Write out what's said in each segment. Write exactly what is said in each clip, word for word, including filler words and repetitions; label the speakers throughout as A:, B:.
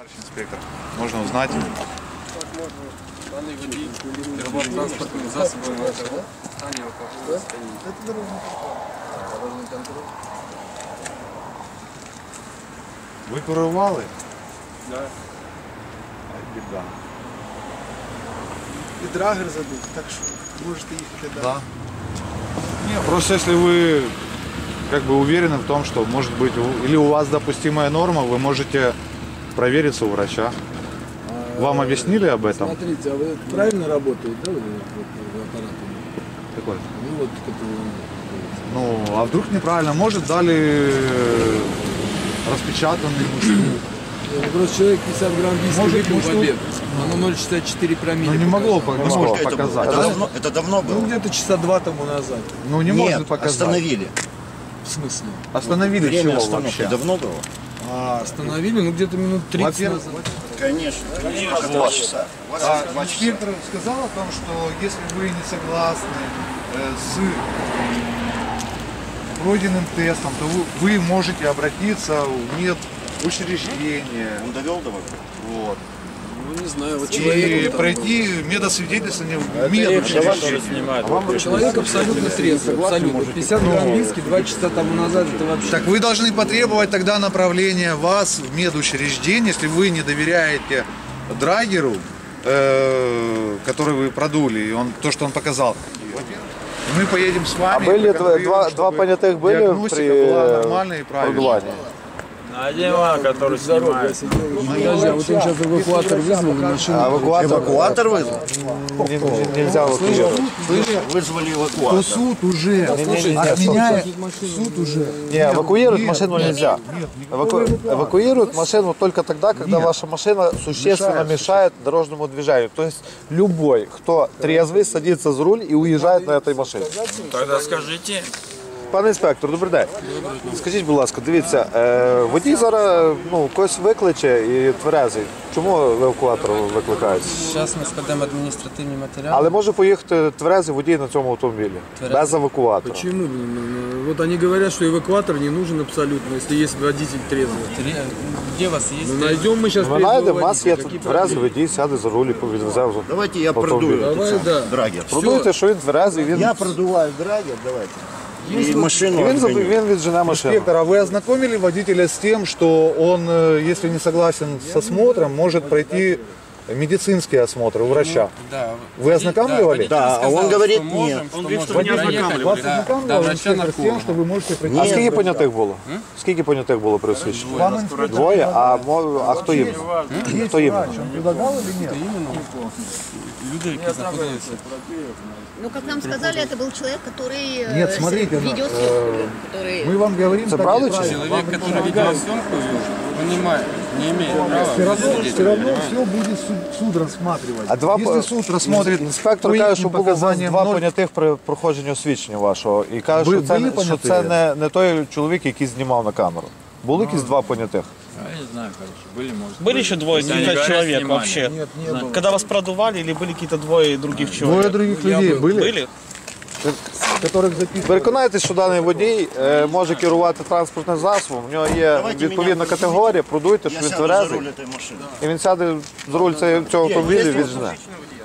A: Товарищ инспектор, можно узнать?
B: Данный водитель перевод транспортных засобов в состоянии алкогольного состояния.
C: Это дорожный контроль. Дорожный контроль.
A: Вы курували?
B: Да.
A: Ай, беда.
C: И драгер забыл, так что можете ехать.
A: Да. Не, просто если вы как бы уверены в том, что может быть у- или у вас допустимая норма, вы можете провериться у врача. Вам объяснили об этом?
C: Смотрите, а вы правильно работает, да, вот, вот, вот, аппарат?
A: Какой?
C: Ну вот, который...
A: Ну, а вдруг неправильно? Может, дали э, распечатанный мужчину.
C: Ну, просто человек пятьдесят грамм виски
A: Может,
C: выпил
A: может,
C: в обед. Оно ноль целых шестьдесят четыре промилле.
A: Ну, не могло,
C: показало.
A: по- не могло
D: Сколько это было?
A: показать.
D: Это
A: да?
D: давно, это давно было?
C: Ну, где-то часа два тому назад.
A: Ну, не
D: Нет,
A: может показать.
D: остановили.
C: В смысле?
A: Остановили
D: Время
A: чего
D: остановки
A: вообще?
D: давно было?
C: А, остановили, ну, где-то минут тридцать
A: Во-первых,
C: назад.
D: Конечно. Два часа.
A: А
D: Два часа.
A: инспектор сказал о том, что если вы не согласны э, с пройденным тестом, то вы, вы можете обратиться в медучреждение.
D: Он довел до вас?
A: Вот.
C: Ну, не знаю, вот
A: И
C: человек... там-
A: пройти медосвидетельствование в медучреждение.
C: Человек абсолютно трезвый, абсолютно. пятьдесят грамм виски два часа тому назад, это вообще...
A: Так вы должны потребовать тогда направления вас в медучреждение, если вы не доверяете драгеру, э, который вы продули, и он, то, что он показал. Мы поедем с
E: А
A: вами.
E: были
A: проконтролируем,
E: два,
A: чтобы
E: два понятых были
A: диагностика
E: при
A: была
E: э,
A: нормальной и правильной.
E: продувании?
B: Один ван, который снимает.
C: Подожди, а вот он сейчас эвакуатор вызвал на машину.
E: А эвакуатор,
D: Эвакуатор вызвал?
E: не- не- нельзя эвакуировать.
D: Вызвали эвакуатор.
A: Суд уже
E: Не-не-не,
A: отменяет. Суд уже.
E: Не, эвакуировать
A: нет,
E: машину
A: нет,
E: нельзя. Эваку- Эвакуируют машину только тогда, когда
A: Нет.
E: ваша машина существенно
A: Мешает.
E: мешает дорожному движению. То есть любой, кто трезвый, садится за руль и уїжджає на этой машине.
B: Тогда скажите.
E: Пане інспектор, добрий день. Скажіть, будь ласка, дивіться, е, водій зараз ну, когось викличе і тверезий. Чому евакуатор викликають?
F: Зараз ми складемо адміністративні матеріали.
E: Але може поїхати тверезий водій на цьому автомобілі,
F: Тверезий.
E: без евакуатора.
C: Почему? Вот они говорят, что эвакуатор не нужен абсолютно, если есть водитель трезвый.
F: Три- Де у вас є?
C: Ну, найдем мы сейчас
E: Ми знайдемо, у нас є тверезий водій, сяде за руль і відвезе вже.
D: Давайте я
E: Автомобиль.
D: продую
C: Давай,
D: этот
C: да.
D: сам драгер.
E: Продуйте, що він тверезий, він,
D: Я продуваю драгер, давайте. И машину
E: він,
D: отгоню.
E: він віджене машину.
A: Инспектор, а вы ознакомили водителя с тем, что он, э, если не согласен с осмотром, может пройти медицинский осмотр у врача?
F: Да.
A: Вы ознакомливали?
D: Да, а он говорит нет.
F: Он говорит, что не ознакомливали.
A: Вас
F: Да,
A: ознакомливали
F: да, врача
A: инспектор с тем,
F: нарколога.
A: что вы можете пройти?
E: А скільки понятих було? Скільки понятих було при освідченні?
A: Вам инспектор
E: Двоє, а, мо- а хто їм? Хто їм?
A: врач, он предлагал или нет?
F: Люди, які знаходилися.
G: Ну, как нам сказали, это был человек, который э,
A: Нет, смотрите,
G: видеосъемку, который...
A: Мы вам говорим...
E: Це
A: так,
E: правда чи
A: правильно.
E: ні?
F: Чоловік, який відеосйомку вів, він не має, не имеет права.
A: Все равно,
F: сидеть,
A: все равно
F: понимаете?
A: все будет суд, суд рассматривать.
E: А два
A: Если
E: по-
A: суд рассмотрит
E: Інспектор
A: по
E: каже,
A: их
E: що було у вас
A: показаниям
E: два
A: ноль-
E: понятих при проходженні освідчення вашого. І каже,
A: Ви
E: що це,
A: були
E: не- що
A: поняті?
E: це не, не той чоловік, який знімав на камеру. Були якісь два понятих?
B: Я не знаю, короче. Были, может.
H: Были еще двое
B: Не
H: каких-то
B: говорят,
H: человек
B: снимали.
H: вообще?
C: Нет, не было.
H: Когда вас продували или были какие-то двое других человек?
A: Двое других людей были,
H: Были?
A: которых записывали.
E: Переконайтесь, що даний водій е, може керувати транспортним засобом, в нього є
D: Давайте
E: відповідна
D: мене
E: категорія, продуйте, що
D: Я
E: він
D: сяду за
E: тверезий,
D: руль этой машины.
E: і він сяде за руль цього цього автомобіля і віджене.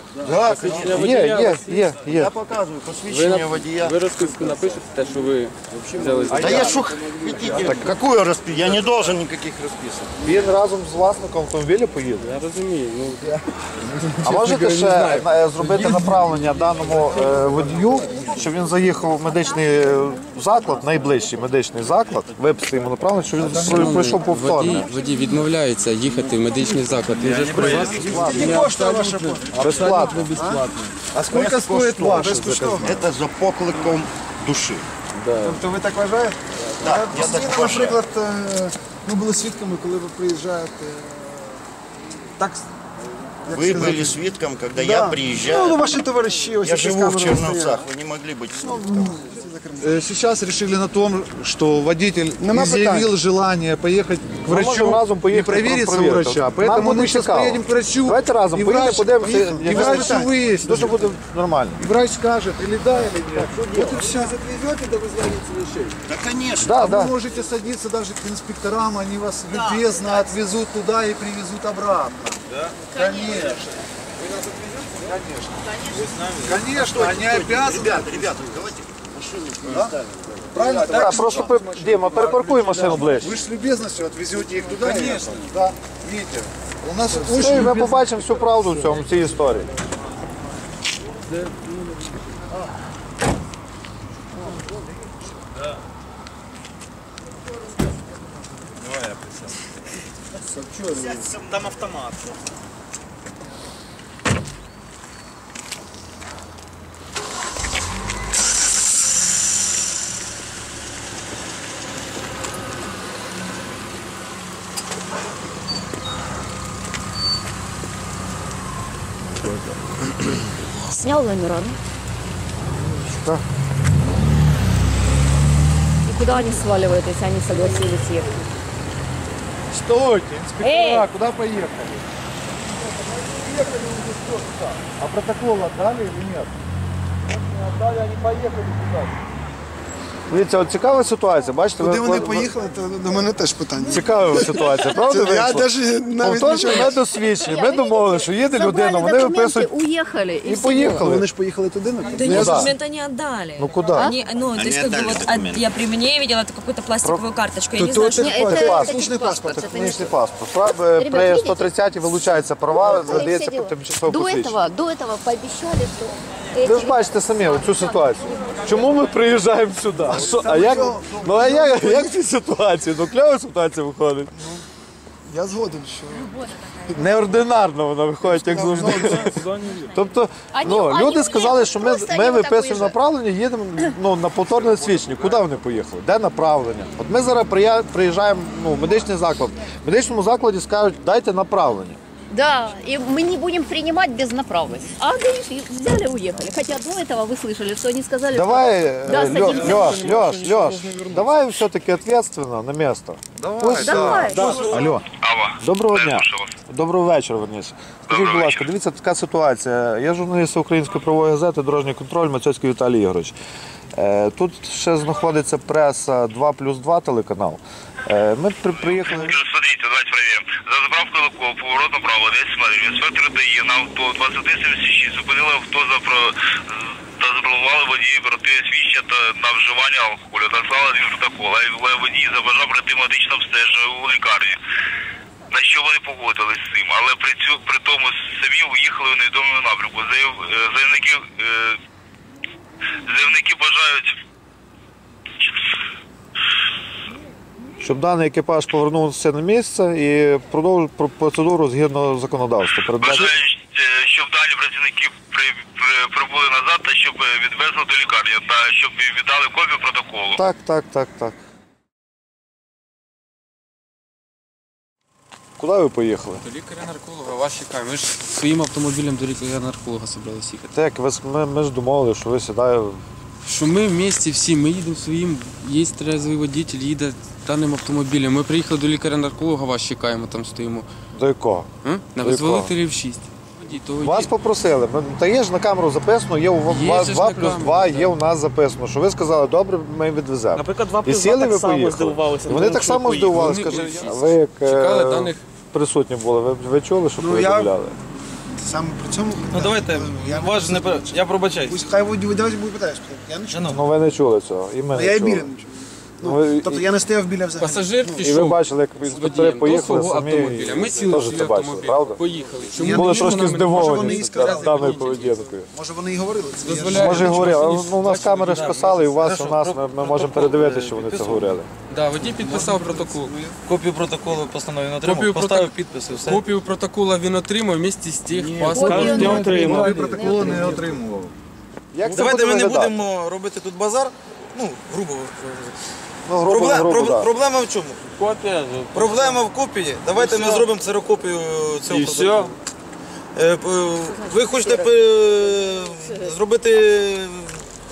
E: Є, є, є, є.
D: Я показываю посвящение водія.
B: Ви розписку напишете, те, що ви взяли за
D: Да я что хотите? Какую расписку? Я не должен никаких расписок.
E: Він разом з власником автомобіля поїде.
B: Я розумію. Ну,
E: А можете ще е, зробити направлення даному е, водію, щоб він заїхав в медичний е, заклад, найближчий медичний заклад, виписати йому направлення, щоб він пройшов
F: Водій,
E: повторне.
F: водій відмовляється їхати в медичний заклад. Він же ж при вас.
E: Безплатно.
A: А сколько стоит ваш?
D: Это за покликом души.
C: Тобто ви так вважаєте?
D: Да, я так вважаю.
C: Наприклад, е, ми були свідками, коли ви приїжджаєте. Так, як
D: Вы
C: сказати,
D: были свидком, когда
C: да.
D: я приезжаю.
C: Ну, ваші товариші, ось
D: Я
C: ці з
D: живу в
C: камерами
D: Черновцах,
C: стоять.
D: вы не могли быть свидком.
A: э, сейчас решили на том, что водитель
C: Нема
A: изъявил
C: питань.
A: желание поехать к
E: Ми
A: врачу
E: можемо разом
A: и
E: поїхати
A: провериться у
E: провірити.
A: врача.
E: Нам
A: Поэтому
E: буде
A: мы сейчас
E: цікаво.
A: поедем к врачу.
E: Давайте разом
A: и
E: поїдемо,
A: врач,
E: подивимося.
A: и, и
E: Я
A: врач
E: знаю,
A: все выяснит.
E: Дуже буде нормально.
A: И врач скажет, или да, или нет. Вот и все.
C: Отвезете до границы вещей?
D: Да, конечно.
E: Да,
A: А
E: да.
A: вы можете садиться даже к инспекторам, они вас любезно отвезут туда и привезут обратно. Да? Конечно. Вы нас отвезете? Конечно. Конечно, они обязаны.
D: Ребята, ребята, давайте машину
A: Да? Правильно?
E: Так,
A: Так,
E: просто пер- Діма, перепаркуй машину ближче.
A: вы же с любезностью отвезете их туда. Конечно. Да. Видите, у нас
E: Ну, і
A: очень
E: ми
A: любезно.
E: побачимо всю правду в цьому в цій історії.
D: Там автомат.
G: Снял номера, да?
E: Да.
G: И куда они сваливают, если они согласились ехать?
A: Стойте, инспектора,
G: Эй!
A: куда поехали? Поехали уже все туда. А протокол отдали или нет? Не отдали, они поехали туда.
E: Дивіться, от цікава ситуація, бачите?
C: Куди
E: ви-
C: вони
E: ви-
C: поїхали, то до мене теж питання.
E: Цікава ситуація, правда?
C: Я
E: вийшло?
C: навіть навіть
E: Отож,
C: нічого.
E: ми досвідчені, ми домовилися, що їде людина, вони виписують
G: уехали.
E: і поїхали.
C: Вони ж поїхали туди, на
I: Да
E: Ну
I: нет,
E: да.
I: документы не отдали.
E: Ну куда?
I: Они, ну, то есть, как бы,
D: отдали
I: вот, а,
D: документы.
I: я при мне видела это какую-то пластиковую карточку. Я не
C: То
I: знаю,
C: это
I: что...
G: Не, это,
E: Це
G: это
E: паспорт.
C: Технічний паспорт.
G: это не
E: Технічний паспорт. Справа
G: Ребят,
E: при
G: видите?
E: сто тридцятій вилучаються права, надається
G: До
E: тимчасове посвідчення.
G: этого, до этого пообещали, что
E: Ви ж бачите самі оцю ситуацію. Чому ми приїжджаємо сюди? А, що, а як, ну а як, як в цій ситуації? Ну кльова ситуація виходить.
C: Я згоден, що
E: Неординарно вона виходить, як завжди. Тобто, ну,
G: Ані-
E: люди
G: ані-
E: сказали, що ми,
G: просто
E: ми
G: вони отак
E: виписуємо
G: виїжджають.
E: направлення, їдемо ну, на повторне свідчення. Куди вони поїхали? Де направлення? От ми зараз прия- приїжджаємо ну, в медичний заклад. В медичному закладі скажуть, дайте направлення.
G: да, и мы не будем принимать без направленности. А гаишники взяли и уехали. Хотя до этого вы слышали, что они сказали,
E: Давай,
G: Да,
E: э, Лё-
G: садимся.
E: Лёш, Лёш, Лёш, давай все-таки ответственно на место.
A: Давай,
G: что... Давай.
E: Алло. Доброго дня. Доброго вечора, верніше. Скажіть, будь ласка, дивіться, така ситуація. Я журналіст Української правової газети «Дорожній контроль», Мацьоцький Віталій Ігорович. Е, Тут ще знаходиться преса два плюс два телеканал. Е, Ми при- приїхали...
J: Смотрите, давайте проверим. За заправкою Луков, поворот направо, десять метрів. Інспектор дає на авто двадцять сімдесят шість. Зупинили авто за про... та запланували водії проти свідчення та на вживання алкоголю. Наслали один протокол, але водій забажав пройти медичне обстеження у лікарні. На що вони погодились з цим, але при, цю, при тому самі уїхали у невідомому напрямку. Заяв, е, заявники, е, заявники бажають
E: Щоб даний екіпаж повернувся на місце і продовжив про- процедуру згідно законодавства. Передбачено-
J: бажають, е, щоб дані працівники при, при, прибули назад та щоб відвезли до лікарні та щоб віддали копію протоколу.
E: Так, так, так, так. Куди ви поїхали?
F: До лікаря-нарколога, вас чекаємо. Ми ж своїм автомобілем до лікаря-нарколога собрались їхати.
E: Так, ви, с- ми, ми ж домовили, що ви сідаєте.
F: Що ми в місті всі, ми їдемо своїм, є трезвий водитель, їде даним автомобілем. Ми приїхали до лікаря-нарколога, вас чекаємо, там стоїмо.
E: До якого?
F: М? На
E: До
F: визволителів шість. Водій, то
E: Вас
F: водій.
E: попросили. Ми- Та є ж на камеру записано, є у
F: Є
E: вас
F: же ж
E: два
F: на
E: плюс
F: камеру,
E: два,
F: да.
E: є у нас записано, що ви сказали, добре, ми відвеземо.
H: Наприклад, два
E: І
H: плюс два
E: сіли
H: так
E: ви
H: само
E: поїхали.
H: здивувалися.
E: І Вони
H: тому,
E: так
H: що
E: само
H: поїхали.
E: здивувалися.
F: Вони
E: Скажіть,
F: всі
E: ви як е,
F: чекали даних.
E: присутні були, ви, ви чули, що
C: Ну,
E: повідомляли?
C: саме при цьому...
H: Ну давайте,
C: я
H: ваш не пер- я пробачаюсь.
C: Пусть хай водій, давайте буде питаєш. Я не чую.
E: Ну ви не чули цього. І ми
C: Ну,
E: не
C: я і
E: чули.
C: біля не чую.
E: Ну, ви-
C: Тобто я не стояв біля взагалі.
F: Пасажир
E: І ви
F: пішов
E: бачили, як
F: з
E: інспектори
F: водієм до
E: поїхали
F: свого
E: самі.
F: автомобіля. Ми сіли в
E: теж
F: свій
E: це бачили,
F: автомобіль,
E: правда?
F: поїхали.
C: Я
F: Чому
C: не
E: Були
C: чую,
E: трошки
C: вони- може, вони
E: здивовані
C: і сказали.
E: даною поведінкою.
C: Може вони і говорили це. Я ж-
F: Дозволяє.
E: Може,
F: Чому
E: говорили,
F: вони-
E: ну, у нас камери ж писали, і у вас, у нас, ми, ми можемо передивитися, що вони це говорили.
F: Да, водій підписав протокол.
H: Копію протоколу постанови не
F: Копію
H: отримав, поставив
F: проток-
H: підпис і все.
F: Копію протокола він отримав вместе з тих
G: Копію
F: паспортом.
G: не отримав.
A: Ви протоколи не отримував.
E: Як це
H: Давайте
E: буде
H: ми не
E: виглядати?
H: будемо робити тут базар. Ну, грубо.
E: Ну, грубо,
H: Проблема,
E: грубо,
H: проб-
E: да.
H: проблема в чому?
F: Копія.
H: Проблема в копії. Давайте ми зробимо ксерокопію цього
F: І
H: протоколу.
F: все.
H: Е, п- Ви хочете пе- зробити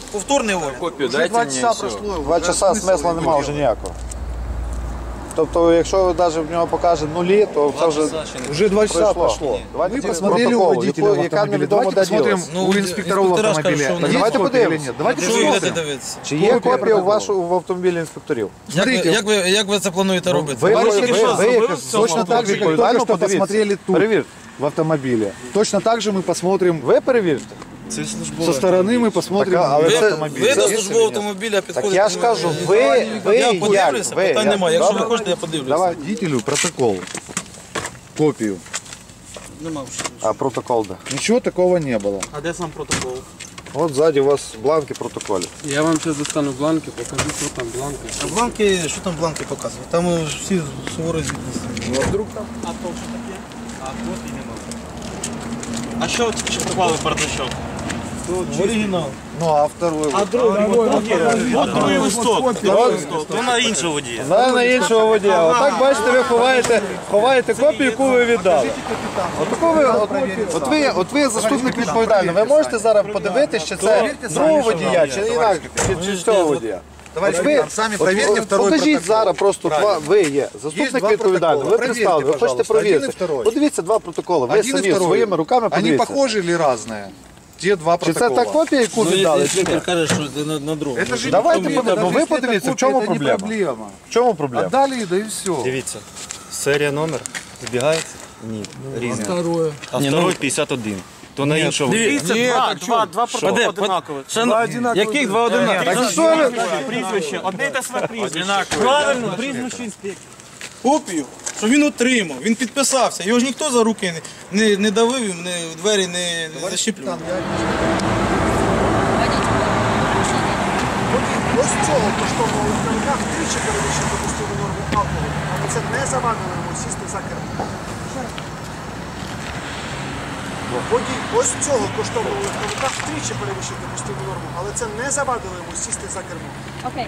H: Повторний огляд.
B: Копию
A: Уже
B: дайте
A: два
B: мне
A: часа
B: и все.
A: прошло.
E: Два
A: уже
E: часа
A: смысл
E: смисла
A: его
E: немає вже
A: делать?
E: ніякого. Тобто, якщо навіть в нього покаже нулі, то це вже
A: Уже два часа
E: пройшло.
A: прошло.
E: Давайте
A: Мы
E: тільки
A: посмотрели у
E: протокол,
A: водителя
E: яку-
A: в
E: яка
A: автомобиле.
E: невідомо
A: Давайте
E: де
A: посмотрим
E: ділась.
A: у инспекторов
H: инспектора
A: автомобиля.
H: скажут, что
A: Есть
E: давайте
A: копия или
E: подивимося.
A: нет? Давайте
H: Що ви йдете
A: посмотрим.
H: дивитися?
E: Чи є
A: Копія
E: копія у
A: протоколу.
E: вашу в автомобілі інспекторів?
H: Як ви,
A: Смотрите.
H: як, ви, як ви це плануєте робити?
E: Ви, ви, ви,
A: Товарищ
E: ви,
A: Кирилл,
E: ви як
A: Точно так же, как
E: відповідально
A: только что
E: подивіться.
A: посмотрели тут,
E: Перевірте.
A: в автомобиле. Точно так же мы посмотрим,
E: Ви перевірте.
H: Це службове.
A: со стороны мы посмотрим
E: Так, а- але
A: в
E: це-
A: автомобиль.
H: Ви до
A: Есть или
H: службового
A: нет?
H: автомобіля
E: Так
H: підходите.
E: я ж кажу, ви, ви
H: Я
E: як?
H: подивлюся,
E: Ви,
H: питань
E: як?
H: немає. Якщо ви
E: Добре.
H: хочете, я подивлюся.
E: Давай.
A: Водителю протокол, копию.
H: Нема вже.
E: А протокол де?
A: Ничего такого не было.
H: А де сам протокол?
E: От ззаді у вас бланки протоколів.
F: Я вам сейчас достану бланки, покажу, что там бланки.
H: А бланки, що там бланки показують? Там е, ж всі суворо звітні.
K: А що чіпували бардачок?
H: Оригінал.
A: Ну а второй?
K: От другий листок, другий листок, то на іншого водія.
E: На, на іншого водія. Отак, бачите, ви ховаєте, ховаєте копію, яку ви віддали. Отаку ви, от, от, ви, от ви заступник відповідальний. Ви можете зараз подивитися, чи це другого водія, чи інакше, чи, чи цього водія.
A: Товарищ
E: От ви,
A: капитан, сами
E: от,
A: проверьте
E: от,
A: второй
E: покажіть
A: протокол.
E: зараз просто два, ви є заступник
A: два
E: відповідальний, ви
A: протокола.
E: представили, ви
A: Проверьте,
E: хочете
A: пожалуйста, один і
E: провірити.
A: второй.
E: Подивіться два протоколи, ви
A: Один и
E: самі
A: второй.
E: своїми руками
A: Они
E: подивіться.
A: похожи или разные? Те два
E: Чи це
A: протокола.
E: та копія, яку віддали, чи ні?
H: каже, що це на, на другому.
A: Это же
E: Давайте
A: не проблема.
E: подивимося.
A: Даже
E: Ви
A: если это
E: подивіться, в
A: копия,
E: чому
A: это не
E: проблема?
A: проблема.
E: В чому проблема?
A: Отдали, да и все.
K: Дивіться, серія номер збігається? Ні, різне.
C: Второе.
K: А второй п'ятдесят один. То на іншого водія.
H: Дивіться, два, два, два протоколи одинакові. Яких два одинакові?
E: Так що ви?
K: Прізвище, одне й те саме прізвище. Правильно, прізвище інспектора.
H: Копію, що він отримав, він підписався. Його ж ніхто за руки не, не, не давив, не, двері не, не защіплював.
C: Ось цього коштовного легковика втричі перевищив допустиму норму алкоголю, але це не завадило йому сісти за кермо. Водій ось цього коштовного легковика втричі перевищив допустиму норму, але це не завадило йому сісти за кермо.
G: Окей.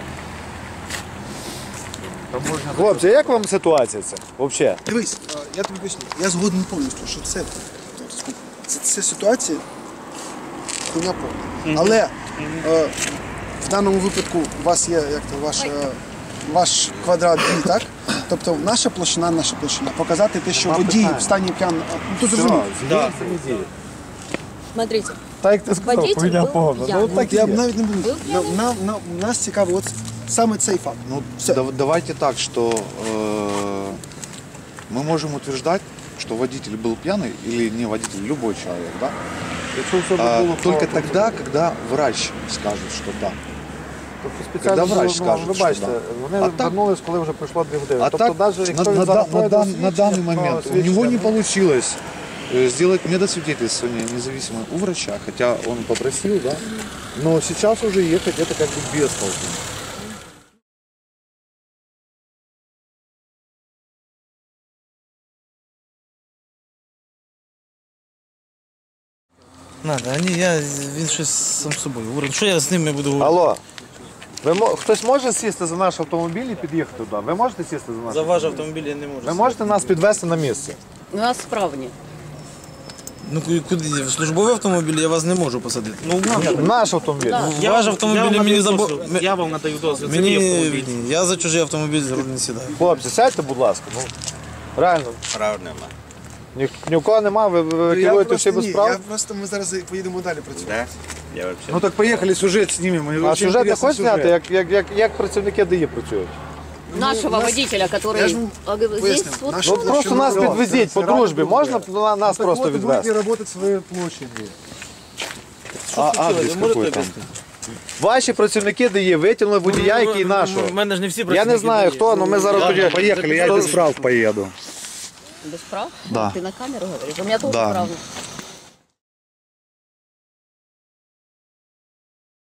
E: Хлопці, як вам ситуація ця? Взагалі?
C: Дивись, е, я тобі поясню, я згоден повністю, що це, це, це ситуація хуйня повна. Але е, в даному випадку у вас є як то, ваш, е, ваш квадрат дій, так? Тобто наша площина, наша площина. Показати те, що водій в стані п'ян... Ну, ти зрозумів.
I: Смотрите,
E: Так як ти сказав,
I: водитель
E: хуйня
I: був
E: повна.
I: п'яний.
E: Ну, так і
C: Я
E: є.
C: б навіть не буду.
I: Був
C: На,
I: п'яний?
C: на, на, нас цікавий от саме цей факт.
A: Ну,
C: Все.
A: дав- давайте так, что э, мы можем утверждать, что водитель был пьяный или не водитель, любой человек, да?
E: Якщо все
A: А,
E: було
A: только
E: правда.
A: тогда, когда врач скажет, что да.
E: Тобто спеціально
A: Когда врач
E: було, ну,
A: скаже,
E: ви
A: що
E: бачите,
A: да.
E: вони
A: А так-
E: вернулись, коли вже пройшло дві години.
A: А
E: тобто,
A: так,
E: навіть
A: на,
E: якщо
A: на
E: він
A: да-
E: зараз
A: на
E: пройде
A: дан- на данный
E: освідчення,
A: момент
E: то
A: у него не
E: освідчення,
A: получилось э, сделать медосвидетельствование независимое у врача, хотя он попросил, да. Но сейчас уже ехать это как бы без толку.
H: Надо, а ні, я, він щось сам собою говорить. Що я з ними буду говорити?
E: Алло, ви, мо- хтось може сісти за наш автомобіль і під'їхати туди? Ви можете сісти за наш?
H: За ваш автомобіль я не можу.
E: Ви можете нас підвезти на місце?
G: У нас справні.
H: Ну ку- куди? В службовий автомобіль я вас не можу посадити. Ну,
E: Наш автомобіль.
H: в ваш автомобіль мені забо...
K: Я вам надаю дозвіл, це мій
H: Мені...
K: автомобіль.
H: Ні, я за чужий автомобіль за руль не сідаю.
E: Хлопці, сядьте, будь ласка. Ну, реально.
K: Правильно.
E: Ні, ні у кого нема, ви, ви
C: Я
E: керуєте всі
C: просто,
E: без
C: ні,
E: прав.
C: я просто ми зараз поїдемо далі працювати.
K: Я вообще.
A: Ну так поехали, сюжет снимем.
E: А сюжет не хочеш зняти, як, як, як, як працівники ДАІ працюють?
G: Нашего водителя,
C: я
G: который
C: ж вам
G: а, здесь
C: поясню,
G: вот
C: наш-
E: Ну просто нас підвезіть по дружбі, можна на- нас просто
A: Будете
E: відвезти?
A: работать своей площади.
E: А адрес какой там? Ваші працівники ДАІ витягнули водія, який нашого.
H: У мене ж не всі
E: Я не знаю хто, але ми зараз тоді...
A: Поехали, я без прав поеду.
G: без прав.
A: Да.
G: Ты на камеру говоришь? У меня тоже
A: Да.
G: прав.